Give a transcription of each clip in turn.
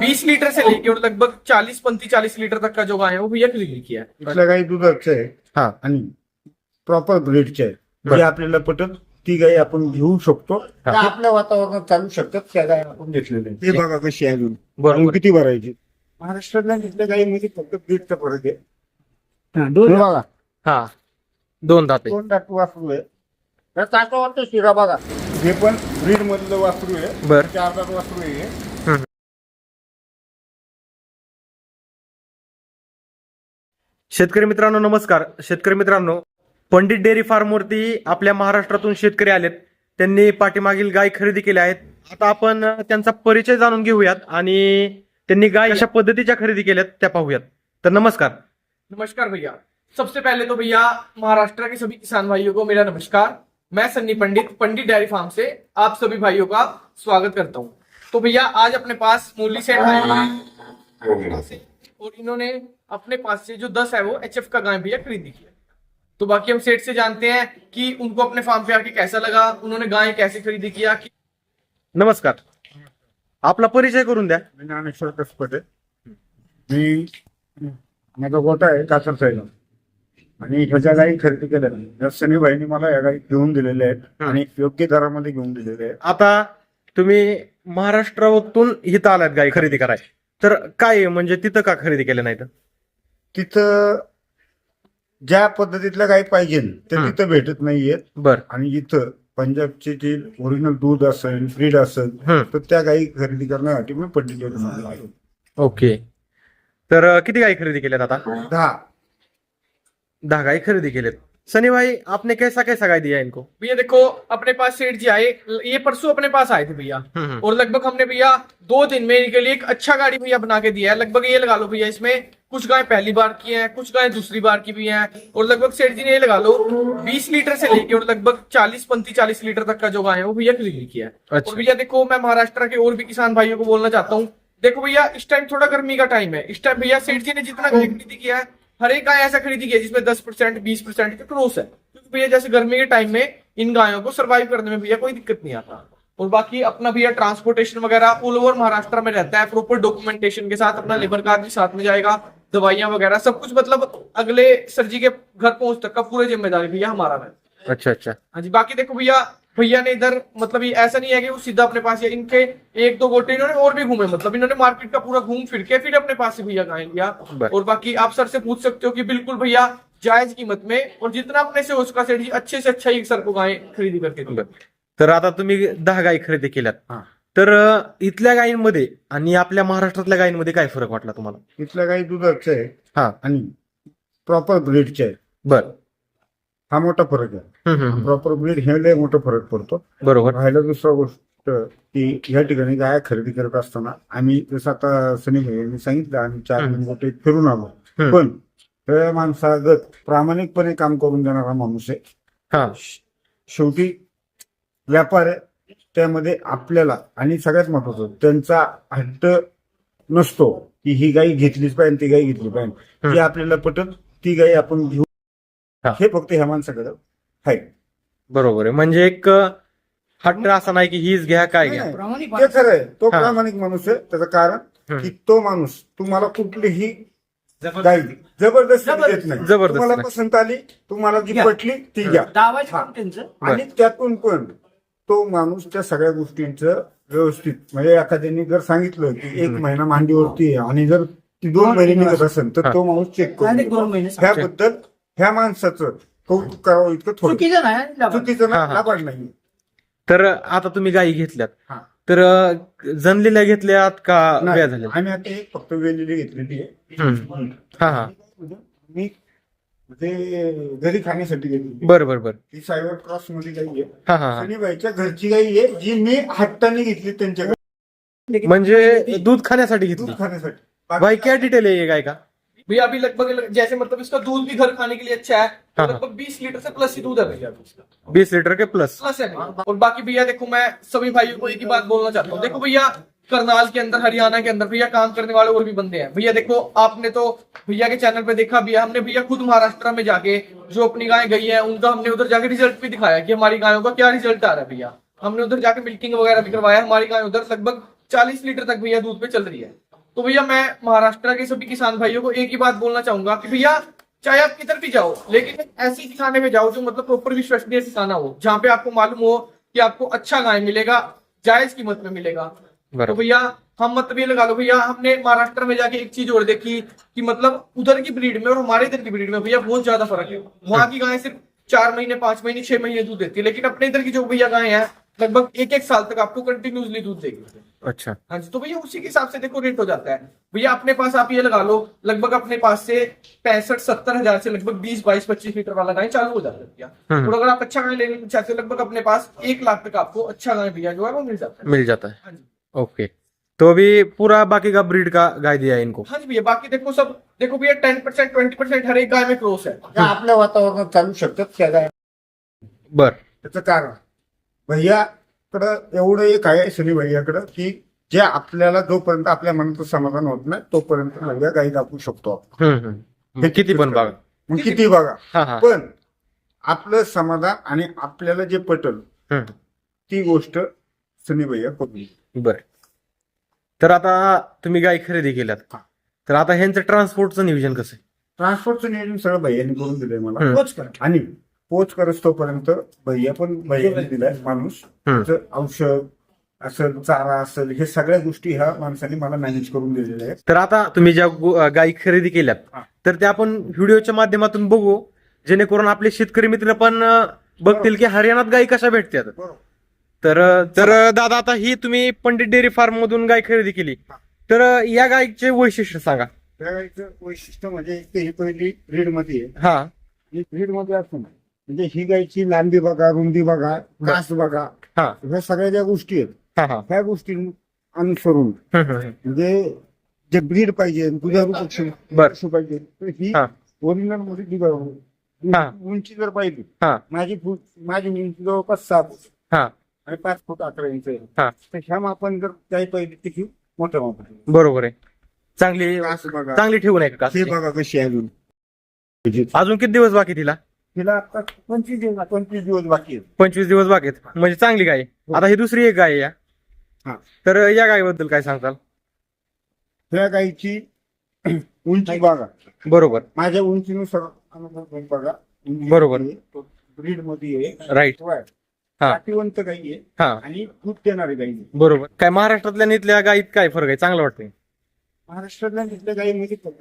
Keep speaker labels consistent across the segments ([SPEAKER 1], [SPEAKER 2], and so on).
[SPEAKER 1] 20 litre से लेके और लगभग 40-40 लीटर तक का जो गाय है वो भैया खरीद लिखी है।
[SPEAKER 2] इथल्या गाई दुधाचं आहे
[SPEAKER 3] हा
[SPEAKER 2] आणि प्रॉपर ब्रीडचे आहे.
[SPEAKER 3] बरं.
[SPEAKER 2] जे आपल्याला पटत ती गाई आपण घेऊ शकतो.
[SPEAKER 3] हा.
[SPEAKER 2] त्या आपल्या वातावरणात चालू शकतात. त्या गाई आपण घेतलेल्या आहेत. ते बघा कशी आहे अजून
[SPEAKER 3] बरोबर.
[SPEAKER 2] अजून किती भरायची. महाराष्ट्रातल्या इथल्या गाईमध्ये फक्त ब्रीडचा फरक आहे. हे
[SPEAKER 3] दोन
[SPEAKER 2] बघा
[SPEAKER 3] हा दोन दाते
[SPEAKER 2] 2 दात वासरू आहे. त्या चाकावरचा शिरा बघा. हे पण ब्रीड मधलं वासरू आहे.
[SPEAKER 3] बर
[SPEAKER 2] 4 दात वासरू आहे.
[SPEAKER 3] शेतकरी मित्रांनो नमस्कार. शेतकरी मित्रांनो, पंडित डेअरी फार्मवरती आपल्या महाराष्ट्रातून शेतकरी आलेत. त्यांनी पाठीमागील गाय खरेदी केल्या आहेत. आता आपण त्यांचा परिचय जाणून घेऊयात आणि त्यांनी गाय कशा पद्धतीच्या खरेदी केल्यात त्या पाहूयात. तर नमस्कार.
[SPEAKER 1] नमस्कार भैया। सबसे पहले तो भैया महाराष्ट्र के सभी किसान भाइयों को मेरा नमस्कार। मैं सन्नी पंडित, पंडित डेयरी फार्म से आप सभी भाइयों का स्वागत करता हूँ। तो भैया आज अपने पास मूली सेठ आए हुए हैं और इन्होंने अपने पास से जो 10 है वो HF का गाय भैया खरीदी की है। तो बाकी हम सेठ से जानते हैं कि उनको अपने फार्म पे आके कैसा लगा, उन्होंने गाय कैसे खरीदी किया।
[SPEAKER 3] नमस्कार. आपला परिचय करून द्या.
[SPEAKER 2] मी ज्ञानेश्वर कसपटे. मी माझा गोटा आहे कासर साईला आणि ह्याच्या गाई खरेदी केल्या. सनीबाईंनी मला या गाई घेऊन दिलेल्या आहेत आणि योग्य दरामध्ये घेऊन दिलेल्या आहेत.
[SPEAKER 3] आता तुम्ही महाराष्ट्रातून इथं आलात गाय खरेदी कराय, तर काय म्हणजे तिथं का खरेदी केलं नाही?
[SPEAKER 2] तिथं ज्या पद्धतीतल्या गाई पाहिजे ते तिथं भेटत नाहीयेत.
[SPEAKER 3] बर
[SPEAKER 2] आणि इथं पंजाबची जी ओरिजिनल दूध असेल ब्रीड असेल तर त्या गाई खरेदी करण्यासाठी मी पंडित डेअरी फार्मला आलो.
[SPEAKER 3] ओके. तर किती गाय खरेदी केल्यात आता?
[SPEAKER 2] 10
[SPEAKER 3] गाय खरेदी केलेत. सनी भाई, आपने कैसा कैसा गाय दिया इनको?
[SPEAKER 1] भैया देखो अपने पास सेठ जी आए, ये परसों अपने पास आए थे भैया और लगभग हमने भैया 2 दिन में इनके लिए एक अच्छा गाड़ी भैया बना के दिया है। लगभग ये लगा लो भैया इसमें कुछ गाय पहली बार की हैं, कुछ गाय दूसरी बार की भी हैं और लगभग सेठ जी ने ये लगा लो 20 लीटर से लेके और लगभग 40-40 लीटर तक का जो गाय है वो भैया खरीद लिखी है।
[SPEAKER 3] अच्छा.
[SPEAKER 1] और भैया देखो मैं महाराष्ट्र के और भी किसान भाइयों को बोलना चाहता हूँ, देखो भैया इस टाइम थोड़ा गर्मी का टाइम है। इस टाइम भैया सेठ जी ने जितना गाय खरीदी किया है हर एक गाय ऐसा खरीदी किया जिसमें 10% 20% का क्रॉस है, क्योंकि भैया जैसे गर्मी के टाइम में इन गायों को सर्वाइव करने में भैया कोई दिक्कत नहीं आता। और बाकी अपना भैया ट्रांसपोर्टेशन वगैरह ऑल ओवर महाराष्ट्र में रहता है, प्रॉपर डॉक्यूमेंटेशन के साथ अपना लेबर कार्ड भी साथ में जाएगा, दवाइयां वगैरह सब कुछ, मतलब अगले सर जी के घर पहुंच तक का पूरी जिम्मेदारी भैया हमारा है।
[SPEAKER 3] अच्छा अच्छा.
[SPEAKER 1] हाँ जी। बाकी देखो भैया ने इधर मतलब ये ऐसा नहीं है कि वो सीधा अपने पास, या इनके 1-2 गोटे इन्होंने और भी घूमे, मतलब इन्होंने मार्केट का पूरा घूम फिर के फिर अपने पास से भैया गाय लिया। और बाकी आप सर से पूछ सकते हो कि बिल्कुल भैया जायज कीमत में और जितना अपने से हो सका सेठ जी अच्छे से अच्छा ही सर को गाय खरीदी करके दी।
[SPEAKER 3] तर आता तुम्ही 10 गाय खरेदी केल्यात, तर इथल्या गायींमध्ये आणि आपल्या महाराष्ट्रातल्या गायींमध्ये काय फरक वाटला तुम्हाला?
[SPEAKER 2] इथल्या गाई दुधाचं आहे
[SPEAKER 3] हा
[SPEAKER 2] आणि प्रॉपर ब्रीडचे आहे.
[SPEAKER 3] बर.
[SPEAKER 2] हा मोठा फरक आहे. प्रॉपर ब्रीड हे लय मोठा फरक पडतो.
[SPEAKER 3] बरोबर.
[SPEAKER 2] राहिला दुसरा गोष्ट की या ठिकाणी गाय खरेदी करत असताना आम्ही जसं आता सनी भाईंनी सांगितलं आम्ही 4 गोटे फिरून आलो, पण त्या माणसागत प्रामाणिकपणे काम करून देणारा माणूस आहे.
[SPEAKER 3] हा
[SPEAKER 2] शेवटी व्यापार आहे, त्यामध्ये आपल्याला आणि सगळ्यात महत्वाचं त्यांचा हट्ट नसतो की ही गाई घेतलीच पाहिजे ती गाई घेतली पाहिजे. जी आपल्याला पटत ती गाई आपण घेऊ, हे फक्त ह्या माणसाकडे आहे.
[SPEAKER 3] बरोबर आहे. म्हणजे एक हट्ट असा नाही की हीच घ्या काय घ्या.
[SPEAKER 2] ते खरं आहे. तो प्रामाणिक माणूस आहे. त्याचं कारण की तो माणूस तुम्हाला कुठलीही गाई जबरदस्ती देत नाही. तुम्हाला पसंत आली, तुम्हाला जी पटली ती घ्या. आणि त्यातून पण तो माणूस त्या सगळ्या गोष्टींचं व्यवस्थित, म्हणजे एखाद्याने जर सांगितलं की 1 महिना मांडीवरती आहे आणि जर ती 2 महिने निघत असेल तर तो माणूस चेक करतो. ह्याबद्दल ह्या माणसाचं कौतुक करावं इतकं थोडं चुकीचं लाभाड नाही.
[SPEAKER 3] तर आता तुम्ही गायी घेतल्यात, तर जनलेल्या घेतल्यात का व्या झाल्या?
[SPEAKER 2] आम्ही आता एक फक्त वेलेली घेतलेली आहे.
[SPEAKER 3] हा हा.
[SPEAKER 2] मी म्हणजे घरी खाण्यासाठी घेतली.
[SPEAKER 3] बर बर बर.
[SPEAKER 2] ती सायबर क्रॉस मध्ये गाई आहे.
[SPEAKER 3] हा हा.
[SPEAKER 2] सनीबाईच्या घरची गाई आहे जी मी हट्टाने घेतली त्यांच्याकडे,
[SPEAKER 3] म्हणजे दूध खाण्यासाठी घेतली.
[SPEAKER 2] दूध खाण्यासाठी.
[SPEAKER 3] भाई क्या डिटेल है ये गाय का?
[SPEAKER 1] भैया अभी लगभग जैसे मतलब इसका दूध भी घर खाने के लिए अच्छा है, तो लगभग 20 लीटर से प्लस ही दूध है भैया इसका,
[SPEAKER 3] 20 लीटर के प्लस
[SPEAKER 1] है भैया। और बाकी भैया देखो मैं सभी भाइयों को एक ही बात बोलना चाहता हूँ, देखो भैया करनाल के अंदर हरियाणा के अंदर भैया काम करने वाले और भी बंदे हैं भैया। देखो आपने तो भैया के चैनल पे देखा भैया, हमने भैया खुद महाराष्ट्र में जाके जो अपनी गाय गई है उनका हमने उधर जाके रिजल्ट भी दिखाया कि हमारी गायों का क्या रिजल्ट आ रहा है भैया। हमने उधर जाके मिल्किंग वगैरह भी करवाया, हमारी गाय उधर लगभग 40 लीटर तक भैया दूध पे चल रही है। तो भैया मैं महाराष्ट्र के सभी किसान भाइयों को एक ही बात बोलना चाहूंगा कि भैया चाहे आप किधर भी जाओ, लेकिन ऐसी ठिकाने में जाओ जो मतलब प्रॉपर विश्वसनीय ठिकाना हो, जहाँ पे आपको मालूम हो कि आपको अच्छा गाय मिलेगा, जायज कीमत में मिलेगा। तो भैया हम मतलब ये लगा लो भैया, हमने महाराष्ट्र में जाके एक चीज और देखी कि मतलब उधर की ब्रीड में और हमारे इधर की ब्रीड में भैया बहुत ज्यादा फर्क है। वहां की गाय सिर्फ 4 महीने 5 महीने 6 महीने दूध देती है, लेकिन अपने इधर की जो भैया गाय है लगभग 1-1 साल तक आपको कंटिन्यूसली दूध देगी।
[SPEAKER 3] अच्छा।
[SPEAKER 1] हाँ जी, तो भैया उसी के हिसाब से देखो रेट हो जाता है। भैया अपने पास आप ये लगा लो लगभग अपने पास से 65-70 हजार से लगभग 20-22-25 लीटर वाला गाय चालू हो जाता है भैया। और अगर आप अच्छा गाय लेने चाहते हो लगभग अपने पास 1 लाख तक आपको अच्छा गाय भैया जो है वो मिल जाता है।
[SPEAKER 3] मिल जाता है।
[SPEAKER 1] हाँ जी,
[SPEAKER 3] ओके, तो अभी पूरा बाकी का ब्रीड का गाय दिया है इनको।
[SPEAKER 1] हाँ जी भैया, बाकी देखो सब देखो भैया 10% 20% हर एक गाय में क्रॉस है।
[SPEAKER 2] त्या आपल्या वातावरणात चालू शकतात त्या गाय.
[SPEAKER 3] बर.
[SPEAKER 2] त्याचं कारण भैयाकडं एवढं एक आहे शनी भैयाकडं की जे आपल्याला जोपर्यंत आपल्या मनाचं समाधान होत नाही तोपर्यंत भैया गाई दाखवू शकतो आपण.
[SPEAKER 3] मग किती पण बघा.
[SPEAKER 2] मग किती बघा,
[SPEAKER 3] हा हा.
[SPEAKER 2] पण आपलं समाधान आणि आपल्याला जे पटल ती गोष्ट शनी भैया करू.
[SPEAKER 3] बर. तर आता तुम्ही गाय खरेदी केल्यात, तर आता ह्यांचं ट्रान्सपोर्टचं नियोजन कसं आहे?
[SPEAKER 2] ट्रान्सपोर्टचं नियोजन सगळं भैयाने करून दिलंय मला.
[SPEAKER 1] पोच कर.
[SPEAKER 2] आणि पोच करत तोपर्यंत भैया पण भैयाने दिलाय माणूस. त्याचं औषध असेल, चारा असेल, हे सगळ्या गोष्टी ह्या माणसाने मला मॅनेज करून दिलेल्या आहेत.
[SPEAKER 3] तर आता तुम्ही ज्या गायी खरेदी केल्यात तर त्या आपण व्हिडिओच्या माध्यमातून बघू, जेणेकरून आपले शेतकरी मित्र पण बघतील की हरियाणात गायी कशा भेटतात.
[SPEAKER 2] बरोबर.
[SPEAKER 3] तर दादा, आता ही तुम्ही पंडित डेअरी फार्म मधून गाय खरेदी केली, तर या गायीचे वैशिष्ट्य सांगा.
[SPEAKER 2] त्या गाईचं वैशिष्ट्य म्हणजे ही पहिली ब्रीड मध्ये आहे.
[SPEAKER 3] हा.
[SPEAKER 2] ही ब्रीड मध्ये असतो ना, म्हणजे ही गायची लांबी बघा, रुंदी बघा, कास बघा,
[SPEAKER 3] हा
[SPEAKER 2] ह्या सगळ्या ज्या गोष्टी आहेत
[SPEAKER 3] हा हा.
[SPEAKER 2] ह्या गोष्टी अनुसरून म्हणजे जे ब्रीड पाहिजे, दुधारू पक्षी पाहिजे, तर ही
[SPEAKER 3] हा.
[SPEAKER 2] ओरिजिनल मध्ये ती बघा.
[SPEAKER 3] हा.
[SPEAKER 2] उंची जर पाहिली,
[SPEAKER 3] हा
[SPEAKER 2] माझी उंची जवळपास 6 फूट
[SPEAKER 3] हा
[SPEAKER 2] आणि 5 फूट 11 इंच आहे.
[SPEAKER 3] हा.
[SPEAKER 2] तर ह्या मापान जर काही पाहिली तर ही मोठ्या मापाने.
[SPEAKER 3] बरोबर आहे. चांगली
[SPEAKER 2] कास बघा,
[SPEAKER 3] चांगली ठेवून आहे का?
[SPEAKER 2] हे बघा कशी आहे अजून.
[SPEAKER 3] अजून किती दिवस बाकी तिला?
[SPEAKER 2] तिला आता 25 दिवस बाकी आहेत.
[SPEAKER 3] 25 दिवस बाकी आहेत, म्हणजे चांगली गाय. आता ही दुसरी एक गाय आहे या.
[SPEAKER 2] हा.
[SPEAKER 3] तर या गायीबद्दल काय सांगताल?
[SPEAKER 2] त्या गायीची उंची बघा,
[SPEAKER 3] बरोबर.
[SPEAKER 2] माझ्या उंचीनुसार अनुभव घेऊन बघा.
[SPEAKER 3] बरोबर.
[SPEAKER 2] ब्रीड मध्ये आहे,
[SPEAKER 3] राईट. हा.
[SPEAKER 2] पाठीवंत गाई आहे
[SPEAKER 3] हा.
[SPEAKER 2] आणि दूध देणारी गाई आहे.
[SPEAKER 3] बरोबर. काय महाराष्ट्रातल्या आणि इथल्या गायीत काय फरक आहे? चांगलं वाटतंय.
[SPEAKER 2] महाराष्ट्रातल्या तिथल्या गाईमध्ये फक्त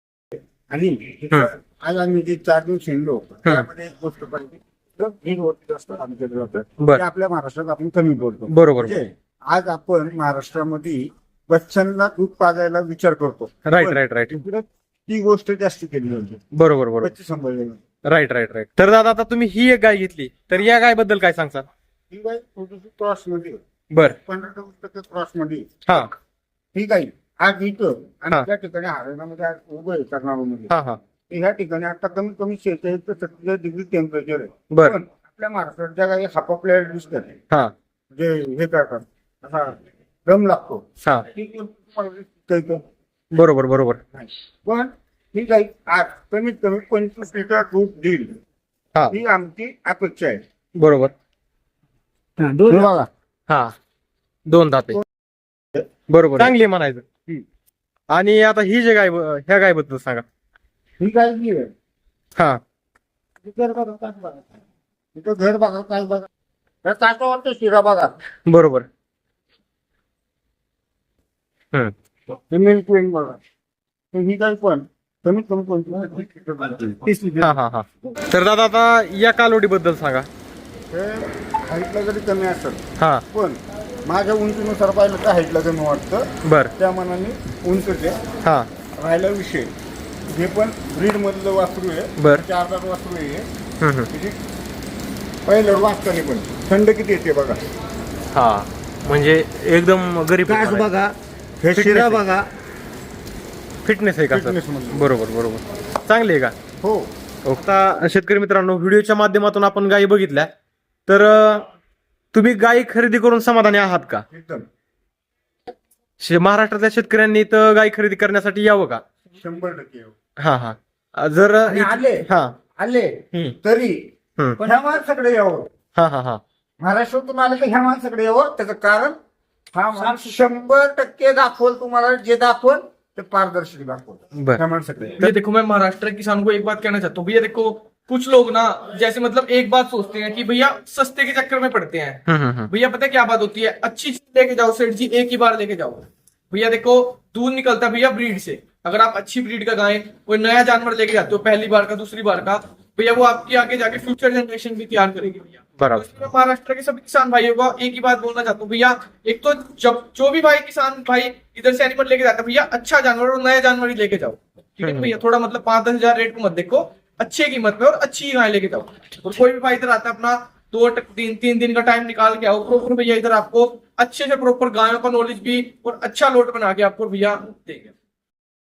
[SPEAKER 2] आणि आज आम्ही जे 4 दिवस हिंडलो त्यामध्ये एक गोष्ट पाहिजे, तर ब्रीड वरती जास्त आमच्याकडे जातं.
[SPEAKER 3] बरं.
[SPEAKER 2] ते आपल्या महाराष्ट्रात आपण कमी बोलतो.
[SPEAKER 3] बरोबर.
[SPEAKER 2] म्हणजे आज आपण महाराष्ट्रामध्ये बच्चांना दूध पाजायला विचार करतो.
[SPEAKER 3] Right right right.
[SPEAKER 2] तिकडे ती गोष्ट जास्त केली जाते.
[SPEAKER 3] बरोबर बरोबर.
[SPEAKER 2] बच्चे सांभाळले.
[SPEAKER 3] Right right right. तर दादा, आता तुम्ही ही एक गाय घेतली, तर या गायबद्दल काय सांगता?
[SPEAKER 2] ही गाय थोडीशी क्रॉस मध्ये
[SPEAKER 3] बर.
[SPEAKER 2] 15% क्रॉस मध्ये.
[SPEAKER 3] हा
[SPEAKER 2] ही गाई आज इथं
[SPEAKER 3] हा.
[SPEAKER 2] आणि त्या ठिकाणी हरियाणामध्ये आज उभं आहे कर्नाटकमध्ये.
[SPEAKER 3] हा हा.
[SPEAKER 2] ह्या ठिकाणी आता कमीत कमी 46 ते 47 डिग्री टेम्परेचर आहे.
[SPEAKER 3] बर.
[SPEAKER 2] पण आपल्या महाराष्ट्रात ज्या गाई हापापल्या दिसतात,
[SPEAKER 3] हा
[SPEAKER 2] म्हणजे हे करतात, असा दम लागतो.
[SPEAKER 3] हा.
[SPEAKER 2] ती तुम्हाला दिसतंय का?
[SPEAKER 3] बरोबर बरोबर.
[SPEAKER 2] पण ही गाई आज कमीत कमी 25 लिटर दूध देईल,
[SPEAKER 3] हा.
[SPEAKER 2] ही आमची अपेक्षा आहे.
[SPEAKER 3] बरोबर.
[SPEAKER 2] बघा,
[SPEAKER 3] हा. 2 दाते. बरोबर. चांगली आहे म्हणायचं. आणि आता ही जे गाय, ह्या गायबद्दल सांगा.
[SPEAKER 2] ही गाय जी आहे,
[SPEAKER 3] हा.
[SPEAKER 2] तिथं बघा, कास बघा, तिथं घर बघा, कास बघा, त्या कासावरचा शिरा बघा.
[SPEAKER 3] बरोबर.
[SPEAKER 2] हे मिल्क क्वीन बघा. तर ही गाय पण कमीत कमी 25 लिटर.
[SPEAKER 3] हा हा हा. तर दादा, आता या कालोडी बद्दल सांगा.
[SPEAKER 2] हे हाईटला जरी कमी असेल,
[SPEAKER 3] हा.
[SPEAKER 2] पण माझ्या उंचीनुसार पाहिलं तर हाईटला कमी वाटतं.
[SPEAKER 3] बर.
[SPEAKER 2] त्या मनाने उंचचे
[SPEAKER 3] हा.
[SPEAKER 2] राहिला विषय, हे पण ब्रीड मधलं वासरू आहे.
[SPEAKER 3] बर.
[SPEAKER 2] 4 दात वासरू आहे. म्हणजे पहिलं वाचताना पण थंड किती येते बघा.
[SPEAKER 3] हा, म्हणजे एकदम गरीब
[SPEAKER 2] कास बघा, हे शिरा बघा.
[SPEAKER 3] फिटनेस आहे का सर?
[SPEAKER 2] Fitness मध्ये.
[SPEAKER 3] बरोबर बरोबर. चांगली आहे का?
[SPEAKER 2] हो.
[SPEAKER 3] आता शेतकरी मित्रांनो, व्हिडिओच्या माध्यमातून आपण गायी बघितल्या, तर तुम्ही गायी खरेदी करून समाधानी आहात का?
[SPEAKER 2] एकदम
[SPEAKER 3] महाराष्ट्रातल्या शेतकऱ्यांनी तर गायी खरेदी करण्यासाठी यावं का?
[SPEAKER 2] 100%
[SPEAKER 3] हा हा. जर
[SPEAKER 2] आणि आले
[SPEAKER 3] हा.
[SPEAKER 2] आले तरी पण ह्या माणसाकडे यावं.
[SPEAKER 3] हा हा हा.
[SPEAKER 2] महाराष्ट्रातून आले तर ह्या माणसाकडे यावं. त्याचं कारण हा माणूस 100% दाखवल तुम्हाला, जे दाखवल ते पारदर्शक दाखवल
[SPEAKER 3] बरं.
[SPEAKER 2] ह्या माणसाकडे.
[SPEAKER 1] भैया देखो, मैं महाराष्ट्र के किसान को एक बात कहना चाहता हूँ। भैया देखो, कुछ लोग ना जैसे मतलब एक बात सोचते हैं कि भैया सस्ते के चक्कर में पड़ते हैं। भैया पता है क्या बात होती है, अच्छी चीज लेके जाओ सेठ जी, एक ही बार लेके जाओ। भैया देखो, दूध निकलता है भैया ब्रीड से। अगर आप अच्छी ब्रीड का गाय, कोई नया जानवर लेके जाते हो पहली बार का, दूसरी बार का, भैया वो आपकी आगे जाके फ्यूचर जनरेशन भी तैयार करेगी भैया।
[SPEAKER 3] बराबर।
[SPEAKER 1] तो इसमें महाराष्ट्र के सभी किसान भाइयों को एक ही बात बोलना चाहता हूँ भैया, एक तो जब जो भी भाई किसान भाई इधर से एनिमल लेके जाता है भैया, अच्छा जानवर और नया जानवर ही लेके जाओ, ठीक है भैया। थोड़ा मतलब 5-10 हजार रेट को मत देखो, अच्छे कीमत पे और अच्छी गाय लेके जाओ। और कोई भी भाई इधर आता है अपना 2-3 दिन का टाइम निकाल के आओ प्रॉपर भैया, इधर आपको अच्छे से प्रॉपर गायों का नॉलेज भी और अच्छा लोट बना के आपको भैया देंगे।